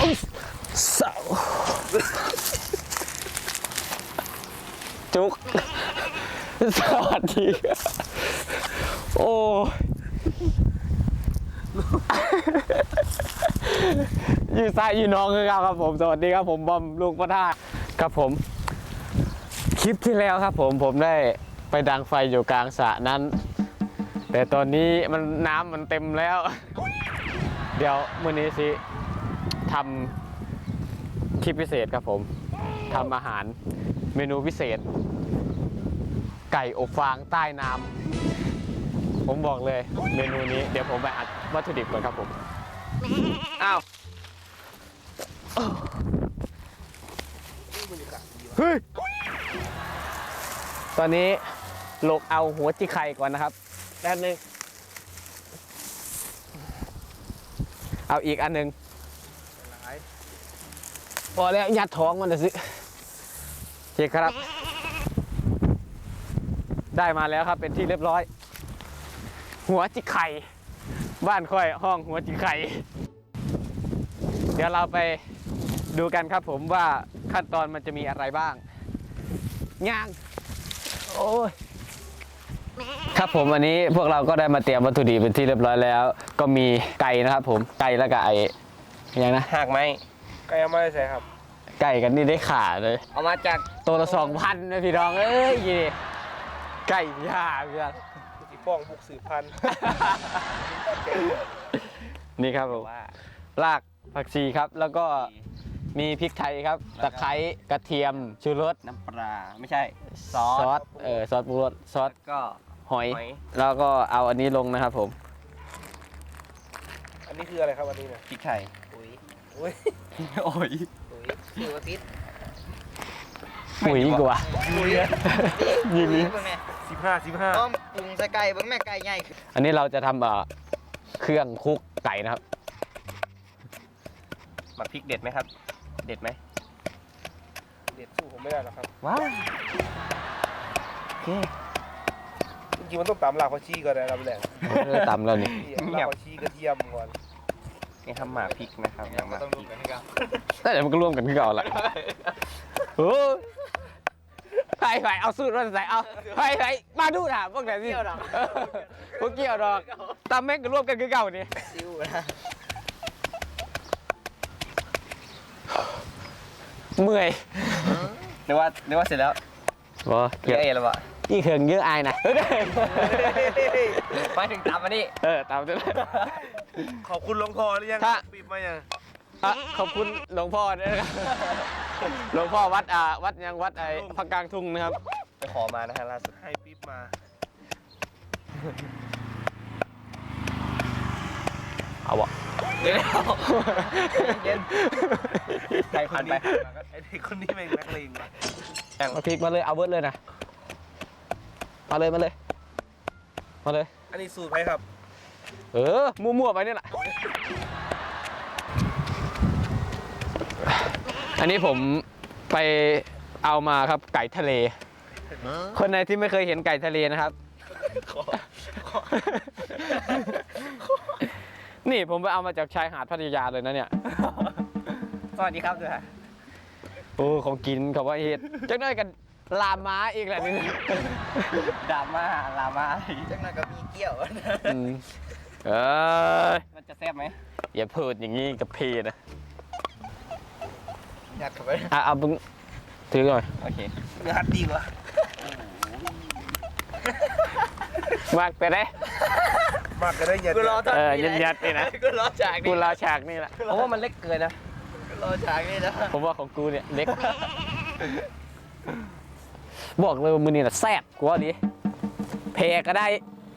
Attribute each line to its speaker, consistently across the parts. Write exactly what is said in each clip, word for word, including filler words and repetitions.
Speaker 1: เสาจุกสวัสดีโอ้ยืนซ้ายยืนน้องคือครับผมสวัสดีครับผมบอมลูกพระธาตุครับผมคลิปที่แล้วครับผมผมได้ไปดังไฟอยู่กลางสระนั้นแต่ตอนนี้มันน้ำมันเต็มแล้วเดี๋ยวมื้อนี้สิทำคลิปพิเศษครับผมทำอาหารเมนูพิเศษไก่อบฟางใต้น้ำผมบอกเลยเมนูนี้เดี๋ยวผมไปอัดวัตถุดิบก่อนครับผมอ้าวเฮ้ยตอนนี้โลกเอาหัวจิไข่ก่อนนะครับด้านหนึ่งเอาอีกอันหนึ่งพอแล้วยัดท้องมันเลยสิโอเคครับได้มาแล้วครับเป็นที่เรียบร้อยหัวจิไข่บ้านค่อยห้องหัวจิไข่เดี๋ยวเราไปดูกันครับผมว่าขั้นตอนมันจะมีอะไรบ้างย่างโอ้ยครับผมวันนี้พวกเราก็ได้มาเตรียมวัตถุดิบเป็นที่เรียบร้อยแล้วก็มีไก่นะครับผมไก่แล้วก็ไอ้ยังนะ
Speaker 2: หากไหมไก่เอามาใส่ครับ
Speaker 1: ไก่กันนี่ได้ขาเลย
Speaker 2: เอามาจาก
Speaker 1: ตัวละสองพันนะพี่น้องเอ้ยยี่ไก่ย่าเพื่อน
Speaker 2: สีป้องบุกสืบพันธุ์
Speaker 1: นี่ครับผมรากผักชีครับแล้วก็มีพริกไทยครับตะไคร้กระเทียมชูรส
Speaker 2: น้ำปลาไม่ใช่ซอส
Speaker 1: ซอสเออซอสปรุงรสซอส
Speaker 2: ก็
Speaker 1: หอยแล้วก็เอาอันนี้ลงนะครับผม
Speaker 2: อันนี้คืออะไรครับอันนี้เนี่ย
Speaker 1: พริกไทย
Speaker 2: อุ้ยอุ้ย
Speaker 1: โอ้ย
Speaker 2: อุ้ยคือว่าติด
Speaker 1: ปุ๋ยกว่า
Speaker 2: ปุ๋ย
Speaker 1: ยิงนี้
Speaker 2: สิบห้าสิบห้า
Speaker 3: ต้มปรุงใส่ไก่เบิ้งแม่ไก่ใหญ่
Speaker 1: อันนี้เราจะทำแบบเครื่องคลุกไก่นะครับ
Speaker 2: หมักพริกเด็ดไหมครับเด็ดไหมเด็ดสู้ผมไม่ได้หรอกครับ
Speaker 1: ว้าวโอเค
Speaker 2: จริงๆมันต้องตำหลากผักชีก่อนนะลำแหลง
Speaker 1: ตำแล้วนี่
Speaker 2: หลากผักชีกระเทียมก่อนนี่ทำหมักพริกนะครับยังมาต้องรวมกันให้กัน
Speaker 1: แต่เดี๋ยวมันก็ร่วมกันที่เก่าแหละโอ้ไปไปเอาสูตรมาใส่เอาไปไปมาดูนะพวกไหนสิพวกเกี่ยวดอกตำแม่งก็ร่วมกันคือเก่านี่
Speaker 3: ซิวนะ
Speaker 1: เมื่อย
Speaker 2: นึกว่านึกว่าเสร็จแล้ว
Speaker 1: บ่
Speaker 2: เยอะเอแล้ววะ
Speaker 1: นี่เขิงเยอะอายนะ
Speaker 2: ไปถึงตามมานี่
Speaker 1: เออตามด้วย
Speaker 2: ขอบคุณหลวงพ่อหรือยังปีบมายัง
Speaker 1: ขอบคุณหลวงพ่อด้วยนะครับหลวงพ่อวัดอ่าวัดยังวัดไอ้พักกลางทุ่งนะครับ
Speaker 2: ไปขอมานะฮะล่าสุดให้ปีบมา
Speaker 1: เอาวะ
Speaker 2: เดี๋ยวเย็นใครผ่านไปไอ้เด็กคนนี้เป็นนักเลงว่ะ
Speaker 1: เอาพริกมาเลยเอาเบิร์ดเลยนะมาเลยมาเลยมาเลย
Speaker 2: อันนี้สูตรไหมครับ
Speaker 1: เออมั่วๆไปนี่แหละอันนี้ผมไปเอามาครับไก่ทะเลคนไหนที่ไม่เคยเห็นไก่ทะเลนะครับนี่ผมไปเอามาจากชายหาดพัทยาเลยนะเนี่ย
Speaker 2: สวัสดีครับด้วย
Speaker 1: โอ้ของกินเขาว่าเฮ็ดจังได้กันลาม้าอีกแหละนี่
Speaker 2: ดราม่าลาม่า
Speaker 3: จังนั้นก็มีเกี่ยว
Speaker 1: เออ
Speaker 2: มันจะแซ่บไหม
Speaker 1: อย่าพูดอย่างนี้กับพี่นะ
Speaker 3: ยัดเข้าไป
Speaker 1: อ่ะเอาบึ้งถือหน่อย
Speaker 2: โอเคเนื้อหัดดีกว่
Speaker 1: ามากไปได้
Speaker 2: มากก็ได้ยัด
Speaker 1: เออยัดยัดนี่นะ
Speaker 3: กูรอฉากนี่
Speaker 1: กูรอฉากนี่แหละ
Speaker 2: เพราะว่ามันเล็กเกินนะ
Speaker 3: รอฉากนี่นะ
Speaker 1: ผมว่าของกูเนี่ยเล็กบอกเลยว่ามือนี่แหละแซ่บกว่าดิเพก็ได้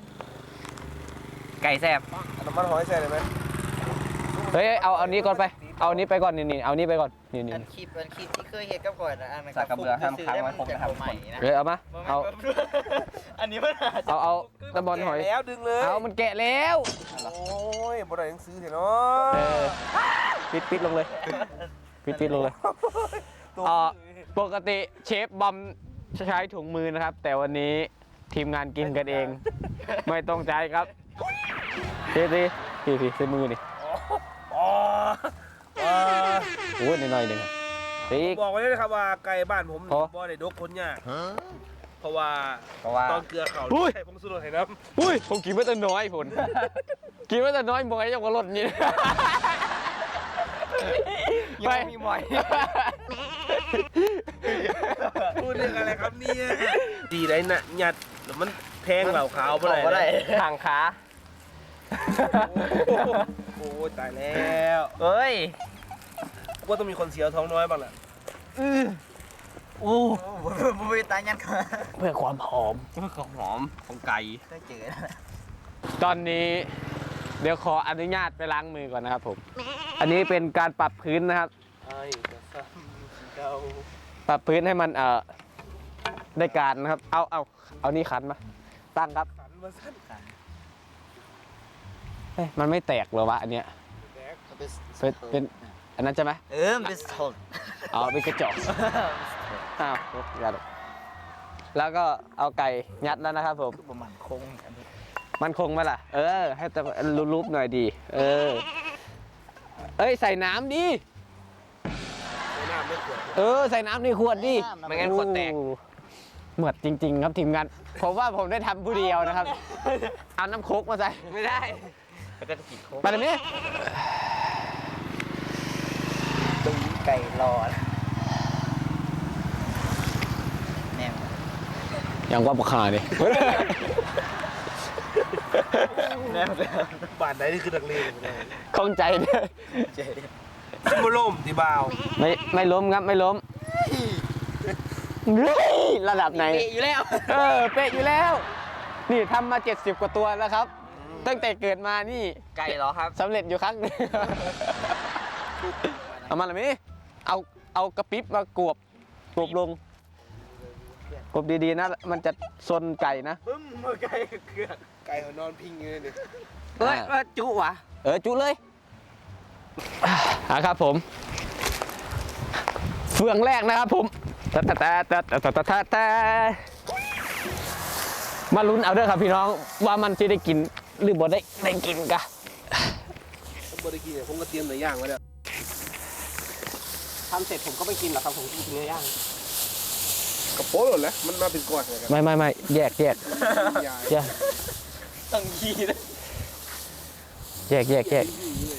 Speaker 2: ไก่แซ่บน้ำมันหอยแซ่บเลยไหม
Speaker 1: เฮ้ยเอาเอานี้ก่อนไปเอานี้ไปก่อนนี่นี่เอานี้ไปก่อนนี่นี่
Speaker 3: อันคลิปอันคลิปที่เคยเห็นกับก่อนนะอันนั้น
Speaker 2: สักกระเบือห้ามค้างไว้ผมนะครับ
Speaker 3: ใหม่นะ
Speaker 1: เฮ้ยเอามาเอา
Speaker 3: อันนี้มัน
Speaker 1: เอาเอาตะบอลหอย
Speaker 2: แล้วดึงเลย
Speaker 1: เอามันแกะแล้ว
Speaker 2: โอ้ยบ่ได้หนังสือเถอะเนาะ
Speaker 1: ปิดปิดลงเลยปิดปิดลงเลยอ่าปกติเชฟบอมใช้ถุงมือนะครับแต่วันนี้ทีมงานกินกันเองไม่ต้องใจครับพี่พี่พี่พี่ใช้มือนี่
Speaker 2: อ๋ออ๋อ
Speaker 1: โอ้ยหน่อยๆหนึ่งปีก
Speaker 2: บอกไว้เลยนะครับว่าไก่บ้านผม
Speaker 1: เพราะ
Speaker 2: บ่ได้ดกคนยากเพราะว่า
Speaker 3: เพราะว่า
Speaker 2: ตอนเกลือเขา
Speaker 1: อุ้ย
Speaker 2: ใส่ผงชูรสให้น้
Speaker 1: อุ้ยผมกินมาแต่น้อยผลกินมาแต่น้อยมอยยังกว่ารถนี่
Speaker 3: ยังมีหมอย
Speaker 2: ำพูดเรื่องอะไรครับเนี่ยดีไรน่ะหยัดแล้วมันแทงเหล่าขาวไป
Speaker 3: บอกว่า
Speaker 2: เล
Speaker 3: ได้
Speaker 2: ย
Speaker 3: ทางขา
Speaker 2: โอ้ยตายแล้ว
Speaker 3: เอ้ย
Speaker 2: ว่าต้องมีคนเสียวท้องน้อยบ้างแหละ
Speaker 3: โอ้บุบตายยันขา
Speaker 1: เพื่อความหอม
Speaker 3: ของหอมของไก่ได้เจอ
Speaker 1: ตอนนี้เดี๋ยวขออนุญาตไปล้างมือก่อนนะครับผม อันนี้เป็นการปรับพื้นนะครับ
Speaker 2: ไอ้กระซ้ำเก่า
Speaker 1: ปรับพื้นให้มันเอ่อได้การนะครับ เอาเอาเอานี่ขันมา ตั้งครับ
Speaker 2: สันมาสั้นขัน
Speaker 1: เฮ้ยมันไม่แตกเหรอวะอันเนี้ย
Speaker 2: แดก
Speaker 1: เป็นเป็นอันนั้นใช่ไหม
Speaker 3: เออเป็นสด
Speaker 1: อ๋อเป็นกระจกอ้าวยัดแล้วก็เอาไก่ยัดแล้วนะครับผม
Speaker 3: ประมาณคง
Speaker 1: มันคงไหมล่ะ เออ ให้แต่รูปๆหน่อยดี เออ เอ้ยใส่น้ำดิ
Speaker 2: ไม่น่าไม่ควร
Speaker 1: เออใส่น้ำในขวดดิ
Speaker 3: ไม่งั้นขวดแตก
Speaker 1: โอ้เหมือดจริง ๆ ครับทีมงานผมว่าผมได้ทำผู้เดียวนะครับ เอาน้ำโคกมาใส่
Speaker 3: ไม่ได้แล้วก็กินโค้ง
Speaker 1: ไปเลยมั้ย
Speaker 3: ตุ้งไก่รอดแนว
Speaker 1: ยังว่าปกขาดิ
Speaker 3: แนวเลย
Speaker 2: บ้านไหนนี่คือนักเลงอยู่เลย
Speaker 1: ข้องใจเนี่ย
Speaker 3: เจ๊
Speaker 2: ซิมโบล่มที่บ่าว
Speaker 1: ไม่ไม่ล้มครับไม่ล้มเฮ้ยระดับไหน
Speaker 3: อยู่แล้ว
Speaker 1: เออเป๊ะอยู่แล้ว นี่ทำมาเจ็ดสิบกว่าตัวแล้วครับ ตั้งแต่เกิดมานี่
Speaker 3: ไก่เหรอครับ
Speaker 1: สำเร็จอยู่ครั้งหนึง เอามาเลยมั้ยเอาเอากระปิบมากวบกวบลงกวบดีๆนะ มันจะซนไก่นะ
Speaker 2: บึ้มมาไก่เกลือไก่เขานอนพิงอยู่เลยดิ
Speaker 3: เฮ้ยว่าจุวะ
Speaker 1: เออจุเลยอ่ะครับผม เฟืองแรกนะครับผมแต่แต่แต่แต่แต่แต่แต่มาลุ้นเอาเด้อครับพี่น้องว่ามันจะได้กินหรือบ่ได้ได้กินกะ
Speaker 2: ผมบริกินเนี่ยผมก็เตรียมเนื้อย่างไว้แล้วทำเสร็จผมก็ไม่กินหรอกครับผมกินเนื้อย่างกระโปรงหมดแล้วมันมาเป็นก้อนเลยครับ
Speaker 1: ไม่ไม่ไม่แยกแยกแยก
Speaker 3: ต้องยีนะ
Speaker 1: แยกแยกแยก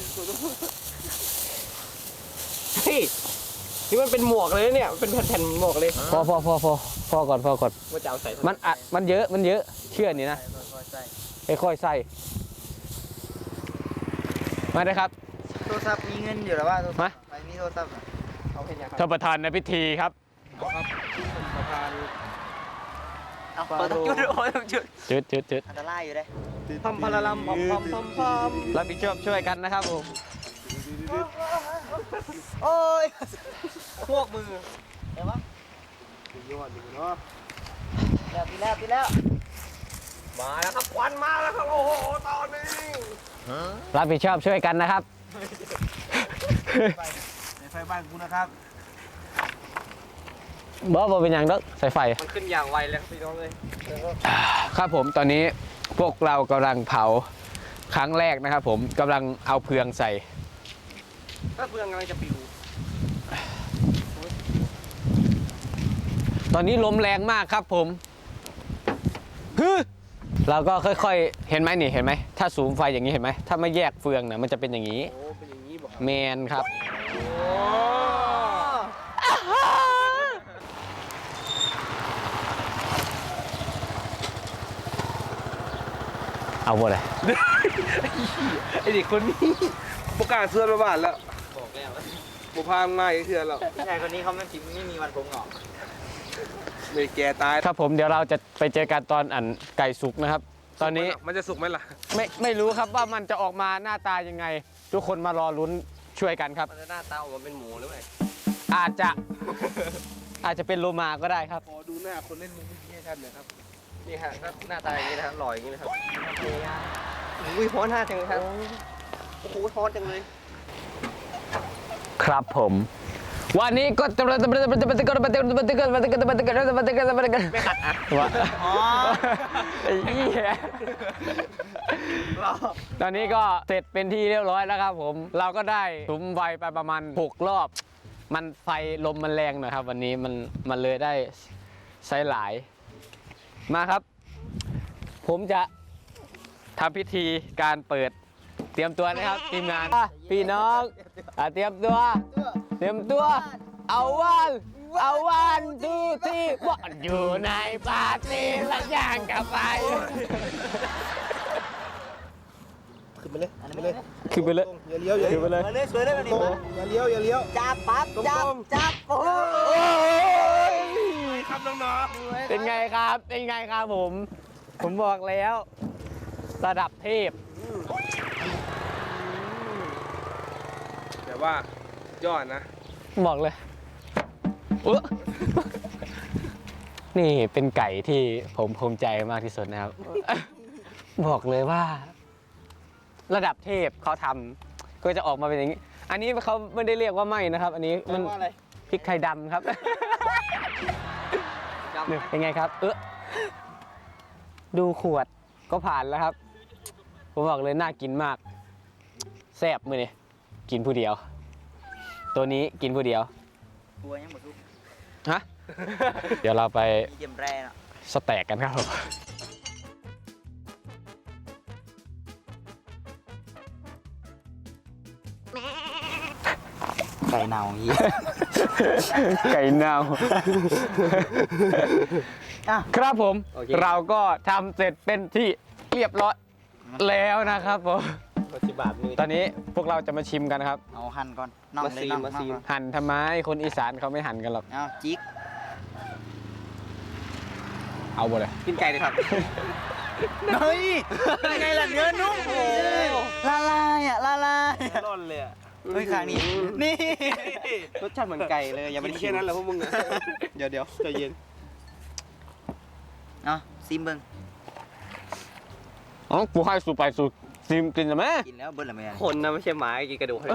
Speaker 2: เฮ้ยนี่มันเป็นหมวกเลยเนี่ยมันเป็นแผ่นๆหมวกเลย
Speaker 1: พอพอพอพอพอก่อนพอก่อน
Speaker 2: ว่าจะเอาใส่
Speaker 1: มันอัดมันเยอะมันเยอะเชื่อนี่นะค่อยๆใส่มาเลยครับ
Speaker 3: โทรศัพท์มีเงินอยู่หรือว่าโทรศัพท์
Speaker 1: มา
Speaker 3: ไม่มีโทรศัพท์
Speaker 2: เอาเป็นยังครับ
Speaker 1: ท่านประธานในพิธีครับ
Speaker 2: เอาครับประธาน
Speaker 3: เอาเปิดต้องจุดโอ้ยต้องจุด
Speaker 1: จุดจุดจุด
Speaker 3: อันตรายอยู่เลย
Speaker 2: พัมพาราลัมพัมพัมพัมพัม
Speaker 1: รับผิดชอบช่วยกันนะครับผม
Speaker 3: โอ้ยพวกมือเห็นปะ
Speaker 2: ยอดอยู่เนาะ
Speaker 3: แล้วปีแล้วปีแล้ว
Speaker 2: มาแล้วครับควันมาแล้วครับโอ้โหตอนนี้
Speaker 1: รับผิดชอบช่วยกันนะครับ
Speaker 2: ในไฟบ้านกูนะครับ
Speaker 1: บอสบอเป็นอย่างดอกใส่ไฟ
Speaker 2: มันขึ้นอย่างไวเลยครับพี่น้องเลย
Speaker 1: ครับผมตอนนี้พวกเรากำลังเผาครั้งแรกนะครับผมกำลังเอาเพืองใส่
Speaker 2: ถ้าเพื่อนกำลังจะปิว
Speaker 1: ตอนนี้ลมแรงมากครับผมฮึเราก็ค่อยๆ เห็นไหมนี่เห็นไหมถ้าสูงไฟอย่างนี้เห็นไหมถ้าไม่แยกเฟืองนะมันจะเป็นอย่างนี้
Speaker 2: โอ้เป็นอย่างนี้บอกครับ
Speaker 1: แมนครับ
Speaker 2: โอ้
Speaker 1: เอาหมดเลย
Speaker 2: ไอเด็กคนนี้ประกาศเสื้อมาบ้านแล้ว
Speaker 3: บอกแล้ว
Speaker 2: บุพางง่ายเสื้อแล้ว
Speaker 3: ผู้ชายคนนี้เขาไม่พิมไม่มีวันผมหรอก
Speaker 2: เลยแกตาย
Speaker 1: ครับผมเดี๋ยวเราจะไปเจอกันตอนอันไก่สุกนะครับ ตอนนี้
Speaker 2: มันจะสุกไหมล่ะ
Speaker 1: ไม่ไม่รู้ครับว่ามันจะออกมาหน้าตายังไง ทุกคนมารอลุ้นช่วยกันครับ
Speaker 3: มันจะหน้าตาออกมาเป็นหมูหรือไง
Speaker 1: อาจจะ อาจจะเป็นโลมาก็ได้ครับ
Speaker 2: ขอดูหน้าคนเล่นมุกนี้ให้ท่านหน่อยครับ
Speaker 3: นี่ฮะหน้าตาอย่างนี้นะครับหล่ออย่างนี้นะครับอุ้ยฮ้อนหน้าจังเลยครับโอ้โหฮ้อนจังเลย
Speaker 1: ครับผมวันนี้ก็จะไม่ขัดอ่ะวะไอ้เหี้ยตอนนี้ก็เสร็จเป็นที่เรียบร้อยแล้วครับผมเราก็ได้สุมไฟไปประมาณหกรอบมันไฟลมมันแรงหน่อยครับวันนี้มันมันเลยได้ใช้หลายมาครับผมจะทำพิธีการเปิดเตรียมตัวนะครับทีมงานพี่น้องอ่ะเตรียมตัวเตรียมตัวเอาวันเอาวันทูที่วันอยู่ในปาร์ตี้และย่างกับไฟ
Speaker 2: ขึ้นไปเลยขึ้นไปเลย
Speaker 1: ขึ้นไปเลย
Speaker 2: อย่าเลี้ยวอย่า
Speaker 1: ขึ้นไปเลย
Speaker 3: มาเลยสวยเลยวันนี้มา
Speaker 2: อย่าเลี้ยวอย่าเลี้ยว
Speaker 3: จับปั๊บจับจับโอ้
Speaker 1: โอ้ย
Speaker 2: ครับน้อง
Speaker 1: เป็นไงครับเป็นไงครับผมผมบอกแล้วระดับเทพ
Speaker 2: ๆแต่ว่ายอดนะ
Speaker 1: บอกเลยอุ๊ยนี่เป็นไก่ที่ผมภูมิใจมากที่สุดนะครับ บอกเลยว่า ระดับเทพเขาทำก็จะออกมาเป็นอย่างนี้ อันนี้เขาไม่ได้เรียกว่าไหม้นะครับ อันนี้มัน
Speaker 3: ว่าอะไร
Speaker 1: พริกไทยดำครับ นี่เป็นไงครับ เออดูขวดก็ผ่านแล้วครับ ผมบอกเลยน่ากินมาก แซ่บมือนี่กินผู้เดียว ตัวนี้กินผู้เดียว
Speaker 3: บัวยังหมดทุก
Speaker 1: ฮะ เดี๋ยวเราไป
Speaker 3: มีเกมแร่เนาะ
Speaker 1: สแต็กกันครับผม
Speaker 3: ไก่เน่าอย่างนี้
Speaker 1: ไก่เน่า
Speaker 3: อ่ะ
Speaker 1: ครับผม
Speaker 3: โอเค
Speaker 1: เราก็ทำเสร็จเป็นที่เรียบร้อยแล้วนะครับผม
Speaker 2: มาสิบบาทมือ
Speaker 1: ตอนนี้พวกเราจะมาชิมกันครับ
Speaker 3: เอาหั่นก่อนน่องเลยน่อง
Speaker 2: มาซีน
Speaker 3: น่อง
Speaker 1: หั่นทำไมคนอีสานเขาไม่หั่นกันหรอก
Speaker 3: เอาจิ๊ก
Speaker 1: เอาหมดเลย
Speaker 2: กินไก่เลยครับ
Speaker 3: เฮ้ยยังไงล่ะเนื้อนุ่มโอ้ละลายอ่ะละลาย
Speaker 2: ร่อนเลยอ่ะ
Speaker 3: เฮ้ยขางนี้นี่รสชาติเหมือนไก่เลยยังไม่
Speaker 2: กิน
Speaker 3: ได้
Speaker 2: แค่นั้นแหละพวกมึงอ่ะ
Speaker 3: เดี๋ยวเดี๋ยว
Speaker 2: ใจเย็น
Speaker 3: เอาซิมเบิ้ง
Speaker 1: อ๋อกูให้สูไปสูซิมกินใช่ไหม
Speaker 3: กินแล้วเบิ้ลละไม่ได้
Speaker 2: คนนะไม่ใช่หมากินกระดูก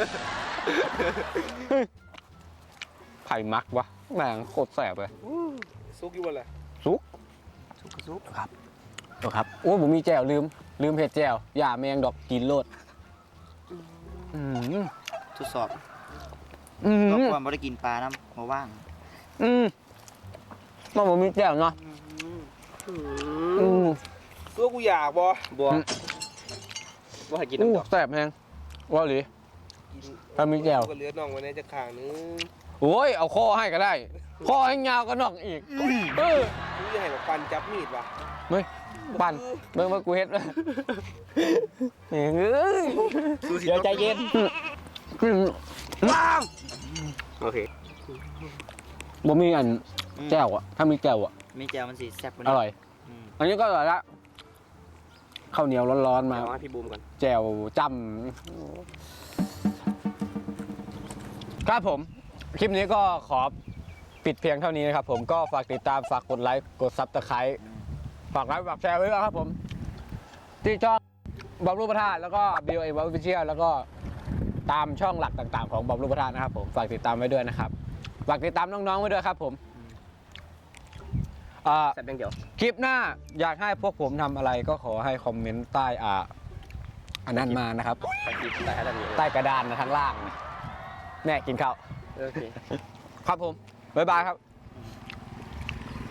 Speaker 1: ไผ่มักวะแม่งโคตรแสบเลย
Speaker 2: ซุกอยู่บนอะไร
Speaker 1: ซุก
Speaker 3: ซุปกระซุป
Speaker 1: ครับตัวครับโอ้ผมมีแจ่วลืมลืมเผ็ดแจ่วอย่าแมงดอกกินโลดอืม
Speaker 3: ทดสอบ
Speaker 1: อืม
Speaker 3: รบกวนไม่ได้กินปลาน้ำมาว่าง
Speaker 1: อืมมันผมมีแจ่วเนาะอืม
Speaker 2: ตัวกูอยากบอ
Speaker 3: บัว
Speaker 1: อืม
Speaker 3: บัวให้กิน
Speaker 1: อู้
Speaker 3: น้ำดอก
Speaker 1: แสบแพงว่าหรือ ถ้ามีแจ่ว
Speaker 2: ก็เหลือน่องไว้ในจะขางนึง
Speaker 1: โอ้ยเอาข้อให้ก็ได้ข้อให้ยาวก็นอกอีกเออ
Speaker 2: กูจะให้แบบปันจับมีดว่ะ
Speaker 1: ไม่ปั่นเบิ่งว่ากูเฮ็ดเลยเฮ้ยเดี๋ยวใจเย็นว้าว
Speaker 2: โอเค
Speaker 1: บ่มีอันแจ่วอะถ้ามีแจ่วอะ
Speaker 3: มีแจ่วมันสีแซ่บกว่า
Speaker 1: อ
Speaker 3: นี้
Speaker 1: ร่อย
Speaker 3: ม
Speaker 1: อันนี้ก็อร่อยละข้าวเหนียวร้อนๆมา
Speaker 2: เอาให้พี่บูมก่อน
Speaker 1: แจ่วจ้ำครับผม คลิปนี้ก็ขอปิดเพียงเท่านี้นะครับผมก็ฝากติดตามฝากกดไลค์กดซับสไครต์ฝากไลค์ฝากแชร์ไว้ด้วยครับผมที่ช่องบอมรูปพระธาตุแล้วก็ บี โอ เอ World Official แล้วก็ตามช่องหลักต่างๆของบอมรูปพระธาตุนะครับผมฝากติดตามไว้ด้วยนะครับฝากติดตามน้องๆไว้ด้วยครับผมอ่า
Speaker 2: แซ่บอย่างเดียว
Speaker 1: คลิปหน้าอยากให้พวกผมทำอะไรก็ขอให้คอมเมนต์ใต้อ่าอันนั้นมานะครับ
Speaker 2: ไปกินแต่ให้ได้ดี
Speaker 1: ใต้กระดานนะข้างล่างนะแม่กินข้าว
Speaker 2: โอเค
Speaker 1: ครับผม บ๊ายบายครับ